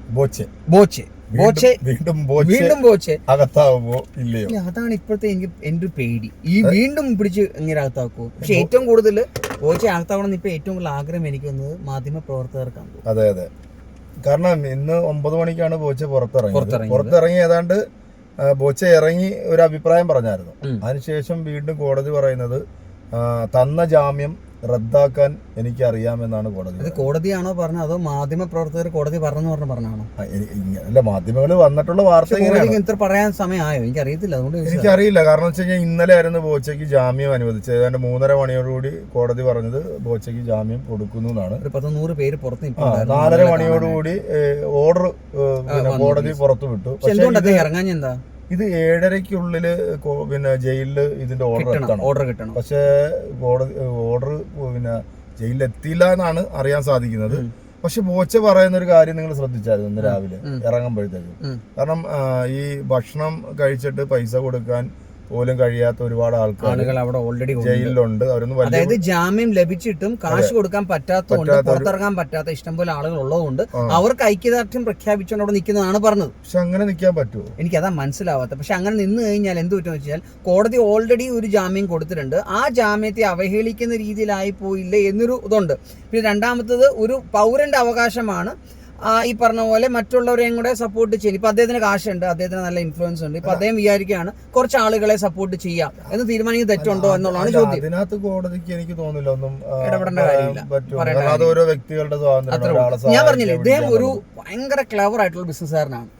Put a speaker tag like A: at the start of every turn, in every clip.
A: വീണ്ടും ബോച്ചെ അകത്താവുമോ ഇല്ലയോ? അതാണ് ഇപ്പോഴത്തെ എനിക്ക് എന്റെ ഒരു പേടി. ഈ വീണ്ടും പിടിച്ച് ഇങ്ങനെ അകത്താക്കുമോ? പക്ഷെ ഏറ്റവും കൂടുതൽ ബോച്ചെ അകത്താവണം ഇപ്പൊ ഏറ്റവും കൂടുതൽ ആഗ്രഹം എനിക്ക് വന്നത് മാധ്യമ പ്രവർത്തകർക്കാണ്.
B: അതെ. കാരണം ഇന്ന് 9 മണിക്കാണ് ബോച്ചെ പുറത്തിറങ്ങി ഏതാണ്ട് ബോച്ചെ ഇറങ്ങി ഒരു അഭിപ്രായം പറഞ്ഞായിരുന്നു. അതിനുശേഷം വീണ്ടും കോടതി പറയുന്നത് തന്ന ജാമ്യം റദ്ദാക്കാൻ എനിക്ക് അറിയാമെന്നാണ് കോടതി.
A: അത് കോടതിയാണോ പറഞ്ഞത് അതോ മാധ്യമ പ്രവർത്തകർ കോടതി പറഞ്ഞാണോ?
B: അല്ല, മാധ്യമങ്ങൾ വന്നിട്ടുള്ള വാർത്ത
A: ഇത്ര പറയാൻ സമയമായോ എനിക്കറിയത്തില്ല. അതുകൊണ്ട്
B: എനിക്കറിയില്ല. കാരണം വെച്ച് കഴിഞ്ഞാൽ ഇന്നലെ ആയിരുന്നു ബോച്ചയ്ക്ക് ജാമ്യം അനുവദിച്ചത്. ഏതാണ്ട് 3:30 മണിയോടുകൂടി കോടതി പറഞ്ഞത് ബോച്ചയ്ക്ക് ജാമ്യം കൊടുക്കുന്നു എന്നാണ്.
A: ഒരു 100 പേര് പുറത്ത്
B: 4:30 മണിയോടുകൂടി ഓർഡർ കോടതി പുറത്തു വിട്ടു.
A: ഇറങ്ങാൻ എന്താ
B: ഇത് 7:30-ക്കുള്ളില് ജയിലില് ഇതിന്റെ ഓർഡർ കിട്ടണം. പക്ഷെ കോടതി ഓർഡർ ജയിലിൽ എത്തിയില്ല എന്നാണ് അറിയാൻ സാധിക്കുന്നത്. പക്ഷെ ബോച്ചെ പറയുന്ന ഒരു കാര്യം നിങ്ങൾ ശ്രദ്ധിച്ചായിരുന്നു ഇന്ന് രാവിലെ ഇറങ്ങുമ്പോഴത്തേക്കും. കാരണം ഈ ഭക്ഷണം കഴിച്ചിട്ട് പൈസ കൊടുക്കാൻ പോലും കഴിയാത്ത ഒരുപാട് ആളുകൾ
A: അവിടെ ഓൾറെഡി
B: ജയിലിലുണ്ട്.
A: അതായത് ജാമ്യം ലഭിച്ചിട്ടും കാശ് കൊടുക്കാൻ പറ്റാത്തതുകൊണ്ട്, പുറത്തിറങ്ങാൻ പറ്റാത്ത ഇഷ്ടംപോലെ ആളുകൾ ഉള്ളതുകൊണ്ട് അവർക്ക് ഐക്യദാർഢ്യം പ്രഖ്യാപിച്ചുകൊണ്ട് അവിടെ നിൽക്കുന്നതാണ് പറഞ്ഞത്.
B: പക്ഷെ അങ്ങനെ നിൽക്കാൻ പറ്റുമോ?
A: എനിക്കതാ മനസ്സിലാവാത്ത. പക്ഷെ അങ്ങനെ നിന്ന് കഴിഞ്ഞാൽ എന്ത് പറ്റുമെന്ന് വെച്ചാൽ കോടതി ഓൾറെഡി ഒരു ജാമ്യം കൊടുത്തിട്ടുണ്ട്. ആ ജാമ്യത്തെ അവഹേളിക്കുന്ന രീതിയിലായി പോയില്ലേ എന്നൊരു ഇതുണ്ട്. പിന്നെ രണ്ടാമത്തത് ഒരു പൗരന്റെ അവകാശമാണ് ഈ പറഞ്ഞ പോലെ മറ്റുള്ളവരെയും കൂടെ സപ്പോർട്ട് ചെയ്യും. ഇപ്പൊ അദ്ദേഹത്തിന് കാശുണ്ട്, അദ്ദേഹത്തിന് നല്ല ഇൻഫ്ലുവൻസ് ഉണ്ട്. ഇപ്പൊ അദ്ദേഹം വിചാരിക്കുകയാണ് കുറച്ച് ആളുകളെ സപ്പോർട്ട് ചെയ്യാം എന്ന് തീരുമാനിക്കുന്നത് തെറ്റുണ്ടോ എന്നുള്ളതാണ് ചോദ്യം.
B: അതിനകത്ത് കോടതിക്ക് എനിക്ക് തോന്നുന്നില്ല ഒന്നും
A: ഇടപെടേണ്ട കാര്യമില്ല.
B: ഓരോ വ്യക്തികളുടെ സ്വാതന്ത്ര്യം.
A: ഞാൻ പറഞ്ഞില്ലേ, ഇദ്ദേഹം ഒരു ഭയങ്കര ക്ലവർ ആയിട്ടുള്ള ബിസിനസ്സുകാരനാണ്.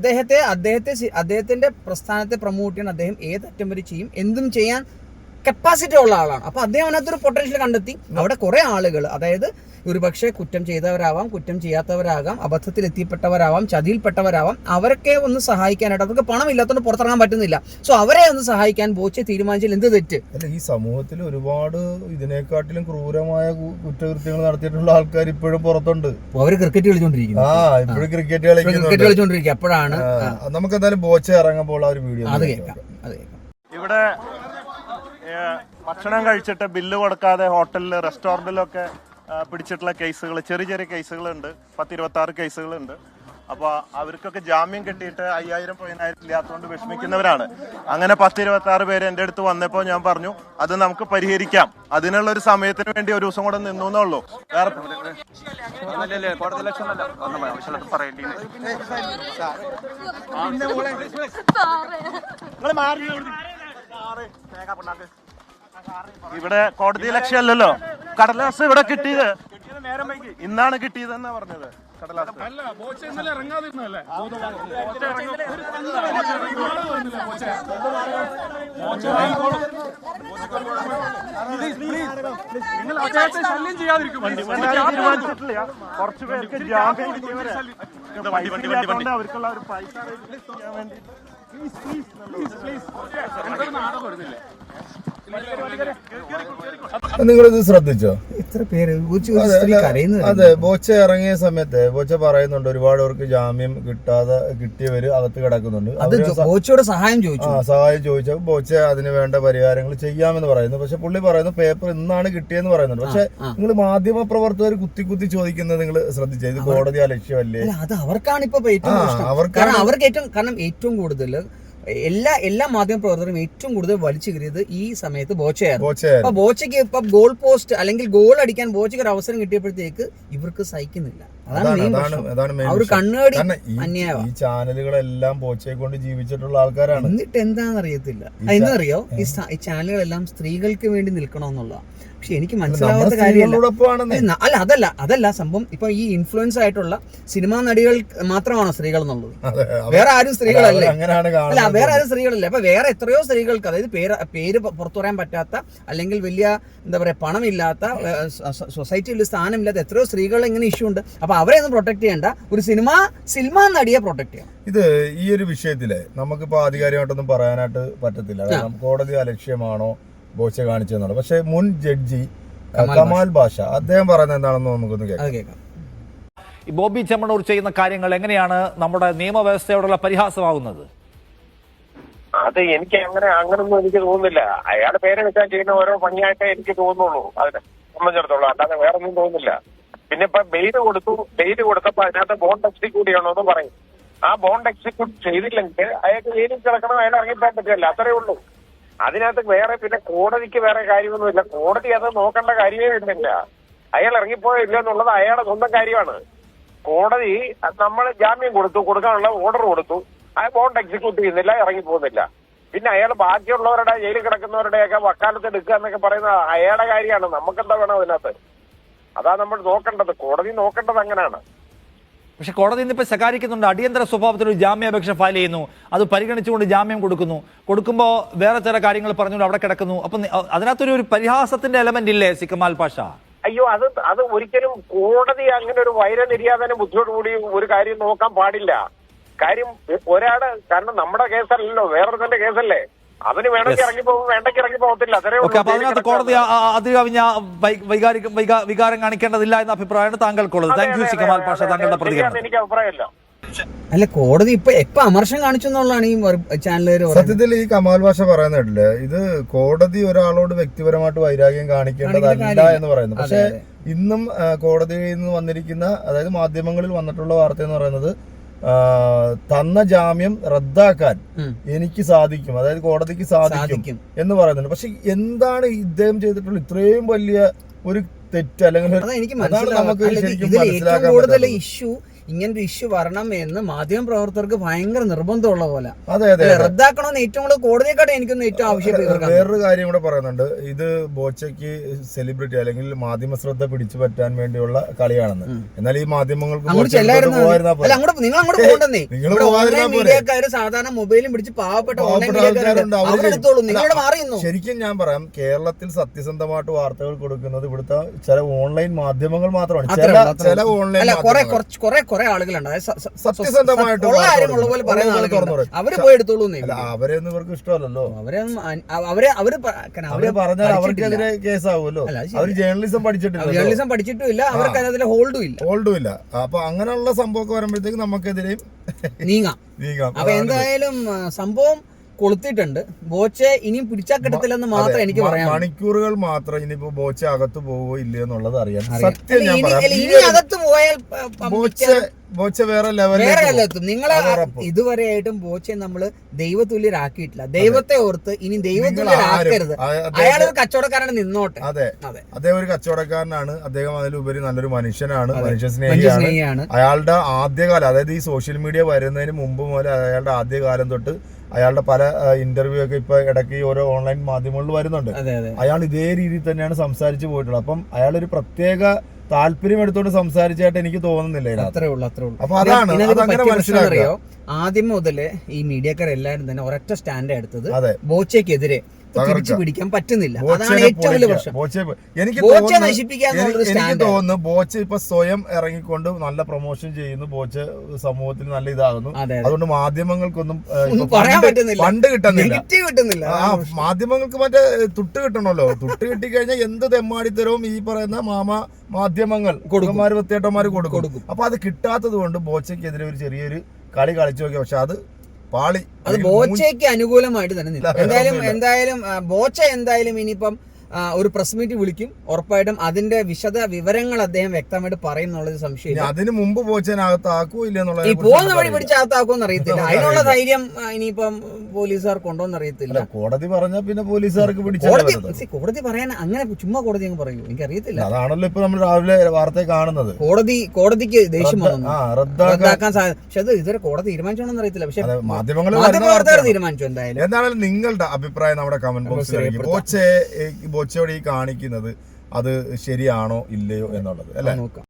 A: അദ്ദേഹത്തിന്റെ പ്രസ്ഥാനത്തെ പ്രൊമോട്ട് ചെയ്യാൻ അദ്ദേഹം ഏതറ്റം വരെ ചെയ്യും, എന്തും ചെയ്യാൻ കപ്പാസിറ്റി ഉള്ള ആളാണ്. അപ്പൊ അദ്ദേഹം അതിനകത്തൊരു പൊട്ടൻഷ്യൽ കണ്ടെത്തി. അവിടെ കുറെ ആളുകൾ, അതായത് ഒരുപക്ഷെ കുറ്റം ചെയ്തവരാവാം, കുറ്റം ചെയ്യാത്തവരാകാം, അബദ്ധത്തിൽ എത്തിപ്പെട്ടവരാവാം, ചതിയിൽപ്പെട്ടവരാവാം, അവരൊക്കെ ഒന്ന് സഹായിക്കാനായിട്ട് അവർക്ക് പണം ഇല്ലാത്തതുകൊണ്ട് പുറത്തിറങ്ങാൻ പറ്റുന്നില്ല. സോ അവരെ ഒന്ന് സഹായിക്കാൻ ബോച്ചെ തീരുമാനിച്ചാൽ എന്ത് തെറ്റ്?
B: അല്ല, ഈ സമൂഹത്തിൽ ഒരുപാട് ഇതിനെക്കാട്ടിലും ക്രൂരമായ കുറ്റകൃത്യങ്ങൾ നടത്തിയിട്ടുള്ള ആൾക്കാർ ഇപ്പോഴും പുറത്തുണ്ട്.
A: അവര് ക്രിക്കറ്റ് കളിച്ചോണ്ടിരിക്കുന്നു.
B: ഇപ്പോഴും ക്രിക്കറ്റ്
A: കളിച്ചോണ്ടിരിക്കുക. അപ്പോഴാണ്
B: നമുക്ക് എന്തായാലും ബോച്ചെ ഇറങ്ങുമ്പോൾ ആ ഒരു വീഡിയോ
A: അത് കേൾക്കാം.
C: ഇവിടെ ഭക്ഷണം കഴിച്ചിട്ട് ബില്ല് കൊടുക്കാതെ ഹോട്ടലിൽ റെസ്റ്റോറൻറ്റിലൊക്കെ പിടിച്ചിട്ടുള്ള കേസുകൾ, ചെറിയ ചെറിയ കേസുകളുണ്ട്. 10-26 കേസുകളുണ്ട്. അപ്പോൾ അവർക്കൊക്കെ ജാമ്യം കിട്ടിയിട്ട് 5000-10000 ഇല്ലാത്തതുകൊണ്ട് വിഷമിക്കുന്നവരാണ്. അങ്ങനെ 10-26 പേര് എൻ്റെ അടുത്ത് വന്നപ്പോൾ ഞാൻ പറഞ്ഞു അത് നമുക്ക് പരിഹരിക്കാം, അതിനുള്ള ഒരു സമയത്തിന് വേണ്ടി ഒരു ദിവസം കൂടെ നിന്നു എന്നുള്ളൂ. വേറെ ഇവിടെ കോടതി ലക്ഷ്യമല്ലല്ലോ. കടലാസ് ഇവിടെ കിട്ടിയത് ഇന്നാണ് കിട്ടിയതെന്നാ പറഞ്ഞത്. കടലാസ് കുറച്ചു പേർക്ക് ജാമ്യം അവർക്കുള്ള ഒരു പൈസ ചെയ്യാൻ വേണ്ടി
B: നിങ്ങളിത് ശ്രദ്ധിച്ചോ?
A: ഇത്ര പേര്
B: അതെ, ബോച്ചെ ഇറങ്ങിയ സമയത്ത് ബോച്ചെ പറയുന്നുണ്ട് ഒരുപാട് പേർക്ക് ജാമ്യം കിട്ടിയവര് അകത്ത് കിടക്കുന്നുണ്ട്.
A: ബോച്ചയോട് സഹായം
B: ചോദിച്ചപ്പോൾ ബോച്ചെ അതിന് വേണ്ട പരിഹാരങ്ങൾ ചെയ്യാമെന്ന് പറയുന്നു. പക്ഷെ പുള്ളി പറയുന്നു പേപ്പർ ഇന്നാണ് കിട്ടിയെന്ന് പറയുന്നുണ്ട്. പക്ഷെ നിങ്ങൾ മാധ്യമ പ്രവർത്തകർ കുത്തി ചോദിക്കുന്നത് നിങ്ങൾ ശ്രദ്ധിച്ചോ? ഇത് കോടതി അലക്ഷ്യമല്ലേ?
A: അത് അവർക്കാണ് ഇപ്പൊ ഏറ്റവും കൂടുതൽ എല്ലാ മാധ്യമ പ്രവർത്തകരും ഏറ്റവും കൂടുതൽ വലിച്ചു കയറിയത് ഈ സമയത്ത് ബോച്ചയായിരുന്നു. അപ്പൊ ബോച്ചയ്ക്ക് ഇപ്പൊ ഗോൾ പോസ്റ്റ് അല്ലെങ്കിൽ ഗോൾ അടിക്കാൻ ബോച്ചയ്ക്ക് ഒരു അവസരം കിട്ടിയപ്പോഴത്തേക്ക് ഇവർക്ക് സഹിക്കുന്നില്ല. അതാണ് കണ്ണുകടി
B: ഈ ചാനലുകളെല്ലാം ബോച്ചയെ കൊണ്ട് ജീവിച്ചിട്ടുള്ള ആൾക്കാരാണ്.
A: എന്നിട്ട് എന്താണെന്നറിയത്തില്ല. എന്താണെന്നറിയോ, ഈ ചാനലുകളെല്ലാം സ്ത്രീകൾക്ക് വേണ്ടി നിൽക്കണമെന്നുള്ള. പക്ഷെ എനിക്ക് മനസ്സിലാവാത്ത കാര്യമല്ല. അതല്ല സംഭവം. ഇപ്പൊ ഈ ഇൻഫ്ലുവൻസ് ആയിട്ടുള്ള സിനിമാ നടികൾ മാത്രമാണോ സ്ത്രീകൾ എന്നുള്ളത്? വേറെ ആരും സ്ത്രീകളല്ലേ? അല്ല, വേറെ ആരും സ്ത്രീകളല്ലേ? അപ്പൊ വേറെ എത്രയോ സ്ത്രീകൾക്ക്, അതായത് പേര് പുറത്തു പറയാൻ പറ്റാത്ത അല്ലെങ്കിൽ വലിയ എന്താ പറയാ പണമില്ലാത്ത, സൊസൈറ്റിയിൽ സ്ഥാനമില്ലാത്ത എത്രയോ സ്ത്രീകൾ ഇങ്ങനെ ഇഷ്യൂ ഉണ്ട്. അപ്പൊ അവരെ ഒന്നും പ്രൊട്ടക്ട് ചെയ്യേണ്ട, ഒരു സിനിമാ നടിയെ പ്രൊട്ടക്ട് ചെയ്യാം.
B: ഇത് ഈ ഒരു വിഷയത്തില് നമുക്കിപ്പോ ആധികാരികമായിട്ടൊന്നും പറയാനായിട്ട് പറ്റത്തില്ല. കാരണം കോടതി അലക്ഷ്യമാണോ ബോച്ചെ കാണിച്ചെന്നുള്ളത്. പക്ഷെ മുൻ ജഡ്ജി കമാൽ ബാഷ അദ്ദേഹം പറയുന്നത് എന്താണെന്ന് നമുക്കൊന്ന് കേൾക്കാം.
D: ബോബി ചെമ്മണ്ണൂർ ചെയ്യുന്ന കാര്യങ്ങൾ എങ്ങനെയാണ് നമ്മുടെ നിയമവ്യവസ്ഥയോടുള്ള പരിഹാസമാകുന്നത്?
E: അത് എനിക്ക് അങ്ങനൊന്നും എനിക്ക് തോന്നുന്നില്ല. അയാളുടെ പേര് വെച്ചാൽ ചെയ്യുന്ന ഓരോ പണിയായിട്ടേ എനിക്ക് തോന്നുള്ളൂ അതിനെ സംബന്ധിച്ചിടത്തോളം. അല്ലാതെ വേറെ ഒന്നും തോന്നുന്നില്ല. പിന്നെ ഇപ്പൊ ബെയിൽ കൊടുത്തപ്പോ അതിനകത്ത് ബോണ്ട് എക്സിക്യൂട്ട് ചെയ്യണമെന്ന് പറയും. ആ ബോണ്ട് എക്സിക്യൂട്ട് ചെയ്തില്ലെങ്കിൽ അയാൾക്ക് ജയിലിൽ കിടക്കണം, അയാൾ ഇറങ്ങിപ്പോൻ പറ്റില്ല. അത്രേ ഉള്ളൂ. അതിനകത്ത് വേറെ പിന്നെ കോടതിക്ക് വേറെ കാര്യമൊന്നുമില്ല. കോടതി അത് നോക്കേണ്ട കാര്യമേ വരുന്നില്ല. അയാൾ ഇറങ്ങിപ്പോയോ ഇല്ല എന്നുള്ളത് അയാളുടെ സ്വന്തം കാര്യമാണ്. കോടതി നമ്മൾ ജാമ്യം കൊടുക്കാനുള്ള ഓർഡർ കൊടുത്തു, ആ ബോണ്ട് എക്സിക്യൂട്ട് ചെയ്യുന്നില്ല, ഇറങ്ങിപ്പോകുന്നില്ല. പിന്നെ അയാൾ ബാക്കിയുള്ളവരുടെ ജയിലിൽ കിടക്കുന്നവരുടെയൊക്കെ വക്കാലത്ത് എടുക്കുക എന്നൊക്കെ പറയുന്നത് അയാളുടെ കാര്യമാണ്. നമുക്കെന്താ വേണം അതിനകത്ത്? അതാ നമ്മൾ നോക്കേണ്ടത്. കോടതി നോക്കേണ്ടത് അങ്ങനെയാണ്.
D: പക്ഷെ കോടതി ഇന്നിപ്പോൾ ശകാരിക്കുന്നുണ്ട്. അടിയന്തര സ്വഭാവത്തിൽ ഒരു ജാമ്യാപേക്ഷ ഫയൽ ചെയ്യുന്നു, അത് പരിഗണിച്ചുകൊണ്ട് ജാമ്യം കൊടുക്കുമ്പോൾ വേറെ ചില കാര്യങ്ങൾ പറഞ്ഞുകൊണ്ട് അവിടെ കിടക്കുന്നു. അപ്പം അതിനകത്തൊരു പരിഹാസത്തിന്റെ എലമെന്റ് ഇല്ലേ സി കമാൽ പാഷ?
E: അയ്യോ, അത് ഒരിക്കലും കോടതി അങ്ങനെ ഒരു വൈരനിര്യാതന ബുദ്ധിയോടുകൂടി ഒരു കാര്യം നോക്കാൻ പാടില്ല. കാര്യം കാരണം നമ്മുടെ കേസല്ലല്ലോ, വേറൊരുത്തന്റെ കേസല്ലേ. അവന് വേണമെങ്കിൽ ഇറങ്ങിപ്പോകും, വേണ്ടെങ്കിൽ ഇറങ്ങി പോകത്തില്ല. അത്രേ ഉള്ളൂ.
D: അപ്പൊ അതിനകത്ത് കോടതി അതികവിഞ്ഞ വികാരം കാണിക്കേണ്ടതില്ല എന്ന അഭിപ്രായമാണ് താങ്കൾക്കുള്ളത്. Thank you C Kamal Pasha, താങ്കളുടെ പ്രതികരണം.
E: എനിക്ക് അഭിപ്രായമല്ല.
A: അല്ല, കോടതി ഇപ്പൊ അമർഷം കാണിച്ചു എന്നുള്ളതാണ് ഈ ചാനലുകാർ.
B: സത്യത്തിൽ ഈ കമാൽ ഭാഷ പറയുന്നില്ലേ, ഇത് കോടതി ഒരാളോട് വ്യക്തിപരമായിട്ട് വൈരാഗ്യം കാണിക്കേണ്ടതല്ല എന്ന് പറയുന്നു. പക്ഷെ ഇന്നും കോടതിയിൽ നിന്ന് വന്നിരിക്കുന്ന, അതായത് മാധ്യമങ്ങളിൽ വന്നിട്ടുള്ള വാർത്ത എന്ന് പറയുന്നത്, തന്ന ജാമ്യം റദ്ദാക്കാൻ എനിക്ക് സാധിക്കും, അതായത് കോടതിക്ക് സാധിക്കും എന്ന് പറയുന്നുണ്ട്. പക്ഷെ എന്താണ് ഇദ്ദേഹം ചെയ്തിട്ടുള്ള ഇത്രയും വലിയ ഒരു തെറ്റ്? അല്ലെങ്കിൽ
A: എനിക്ക് മനസ്സിലാക്കാൻ കൂടുതൽ ഇഷ്യൂ ഇങ്ങനൊരു ഇഷ്യൂ വരണം എന്ന് മാധ്യമപ്രവർത്തകർക്ക് ഭയങ്കര നിർബന്ധമുള്ള പോലെ.
B: അതെ,
A: റദ്ദാക്കണമെന്ന് ഏറ്റവും കൂടുതൽ കോടതിയെക്കാട്ടും എനിക്കൊന്ന് ഏറ്റവും ആവശ്യപ്പെടുന്നത്.
B: വേറൊരു കാര്യം കൂടെ പറയുന്നുണ്ട്. ഇത് ബോച്ചയ്ക്ക് സെലിബ്രിറ്റി അല്ലെങ്കിൽ മാധ്യമ ശ്രദ്ധ പിടിച്ചു പറ്റാൻ വേണ്ടിയുള്ള കളിയാണെന്ന്. എന്നാൽ ഈ മാധ്യമങ്ങൾക്ക്
A: മീഡിയക്കാര് സാധാരണ മൊബൈലും പിടിച്ച് പാവപ്പെട്ട
B: ശരിക്കും ഞാൻ പറയാം, കേരളത്തിൽ സത്യസന്ധമായിട്ട് വാർത്തകൾ കൊടുക്കുന്നത് ഇവിടുത്തെ ചില ഓൺലൈൻ മാധ്യമങ്ങൾ മാത്രമാണ്. ചില ഓൺലൈൻ
A: കുറെ ആളുകളുണ്ട്
B: സത്യസന്ധമായിട്ട്
A: പോലെ പറയുന്ന ആളുകൾ, അവര് പോയി എടുത്തോളൂ.
B: അവരെയൊന്നും ഇവർക്ക് ഇഷ്ടമല്ലല്ലോ.
A: അവര്
B: പറഞ്ഞാൽ അവർക്കെതിരെ കേസാവുമല്ലോ. അവര് ജേർണലിസം
A: പഠിച്ചിട്ടും ഇല്ല, അവർക്ക് അതിൽ ഹോൾഡും ഇല്ല.
B: അപ്പൊ അങ്ങനെയുള്ള സംഭവമൊക്കെ വരുമ്പോഴത്തേക്ക് നമുക്കെതിരെയും
A: നീങ്ങാം. അപ്പൊ എന്തായാലും സംഭവം കൊളുത്തിട്ടുണ്ട്. ബോച്ചെ ഇനിയും പിടിച്ചാൽ കിട്ടത്തില്ലെന്ന് മാത്രം എനിക്ക് പറയാം.
B: മണിക്കൂറുകൾ മാത്രം ഇനിയിപ്പോ ബോച്ച അകത്ത് പോവോ ഇല്ലയോ എന്നുള്ളത് അറിയാം. സത്യം
A: ഇനി അകത്ത് പോയാൽ
B: ബോച്ച വേറെ ലെവലിലെത്തും.
A: നിങ്ങളെ ഇതുവരെയായിട്ടും ബോച്ചെ നമ്മള് ദൈവതുല്യരാക്കിയിട്ടില്ല. ദൈവത്തെ ഓർത്ത് ഇനി ദൈവതുല്യരാക്കരുത്. അയാളൊരു കച്ചവടക്കാരനാണ്, നിന്നോട്ടെ.
B: അതെ, അദ്ദേഹം ഒരു കച്ചവടക്കാരനാണ്. അദ്ദേഹം അതിലുപരി നല്ലൊരു മനുഷ്യനാണ്, മനുഷ്യസ്നേഹിയാണ്. അയാളുടെ ആദ്യകാലം, അതായത് ഈ സോഷ്യൽ മീഡിയ വരുന്നതിന് മുമ്പ് മുതൽ അയാളുടെ ആദ്യകാലം തൊട്ട് അയാളുടെ പല ഇന്റർവ്യൂ ഒക്കെ ഇപ്പൊ ഇടയ്ക്ക് ഓരോ ഓൺലൈൻ മാധ്യമങ്ങളിൽ വരുന്നുണ്ട്. അയാൾ ഇതേ രീതിയിൽ തന്നെയാണ് സംസാരിച്ചു പോയിട്ടുള്ളത്. അപ്പം അയാളൊരു പ്രത്യേക താല്പര്യം എടുത്തോണ്ട് സംസാരിച്ചായിട്ട് എനിക്ക് തോന്നുന്നില്ല.
A: അത്രേ ഉള്ളൂ.
B: അപ്പൊ അതാണ് മനസ്സിലാക്കുക.
A: ആദ്യം മുതല് ഈ മീഡിയക്കാർ എല്ലാവരും തന്നെ ഒരൊറ്റ സ്റ്റാൻഡ് എടുത്തത് ബോച്ചയ്ക്കെതിരെ തിരിച്ചു പിടിക്കാൻ പറ്റുന്നില്ല. അതാണ് ഏറ്റവും വലിയ പ്രശ്നം.
B: എനിക്ക് തോന്നുന്നു ബോച്ച ഇപ്പൊ സ്വയം ഇറങ്ങിക്കൊണ്ട് നല്ല പ്രൊമോഷൻ ചെയ്യുന്നു. ബോച്ച സമൂഹത്തിൽ നല്ല ഇതാകുന്നു. അതുകൊണ്ട് മാധ്യമങ്ങൾക്കൊന്നും
A: പറയാൻ പറ്റുന്നില്ല,
B: ഫണ്ട് കിട്ടുന്നില്ല.
A: ആ
B: മാധ്യമങ്ങൾക്ക് മറ്റേ തുട്ട് കിട്ടണല്ലോ. തുട്ട് കിട്ടിക്കഴിഞ്ഞാൽ എന്ത് തെമ്മാടിത്തരവും ഈ പറയുന്ന മാധ്യമങ്ങൾ വൃത്തിയേട്ടന്മാര് കൊടുക്കും. അപ്പൊ അത് കിട്ടാത്തത് കൊണ്ട് ബോച്ചയ്ക്കെതിരെ ഒരു ചെറിയൊരു കളി കളിച്ചു നോക്കി. പക്ഷെ അത് പാളി.
A: അത് ബോച്ചയ്ക്ക് അനുകൂലമായിട്ട് തന്നെ എന്തായാലും ബോച്ച എന്തായാലും ഇനിയിപ്പം ഒരു പ്രസ് മീറ്റ് വിളിക്കും. ഉറപ്പായിട്ടും അതിന്റെ വിശദ വിവരങ്ങൾ അദ്ദേഹം വ്യക്തമായിട്ട് പറയും എന്നുള്ളത് സംശയമില്ല.
B: അതിന് മുമ്പ് ബോച്ചനാകത്താക്കൂ ഇല്ല എന്നുള്ളത്,
A: ഈ പോകുന്ന വഴി പിടിച്ചകത്താക്കുമെന്ന് അറിയത്തില്ല. അതിനുള്ള ധൈര്യം ഇനിയിപ്പം പോലീസുകാർക്ക് ഉണ്ടോന്ന് അറിയത്തില്ല.
B: കോടതി പറഞ്ഞാൽ പിന്നെ പോലീസുകാർക്ക്
A: കോടതി പറയാൻ അങ്ങനെ ചുമ്മാ കോടതി അങ്ങ് പറയൂ, എനിക്കറിയത്തില്ല.
B: അതാണല്ലോ ഇപ്പൊ നമ്മൾ രാവിലെ വാർത്ത കാണുന്നത്.
A: കോടതിക്ക് ദേഷ്യം വന്നു റദ്ദാക്കാൻ സാധ്യത. പക്ഷെ അത് ഇതുവരെ കോടതി തീരുമാനിച്ചോണെന്ന് അറിയത്തില്ല. പക്ഷെ മാധ്യമപ്രവർത്തകർ തീരുമാനിച്ചു.
B: എന്തായാലും നിങ്ങളുടെ അഭിപ്രായം നമ്മുടെ കമന്റ് ബോക്സിൽ ബോച്ചയോട് ഈ കാണിക്കുന്നത് അത് ശരിയാണോ ഇല്ലയോ എന്നുള്ളത് അല്ലെ.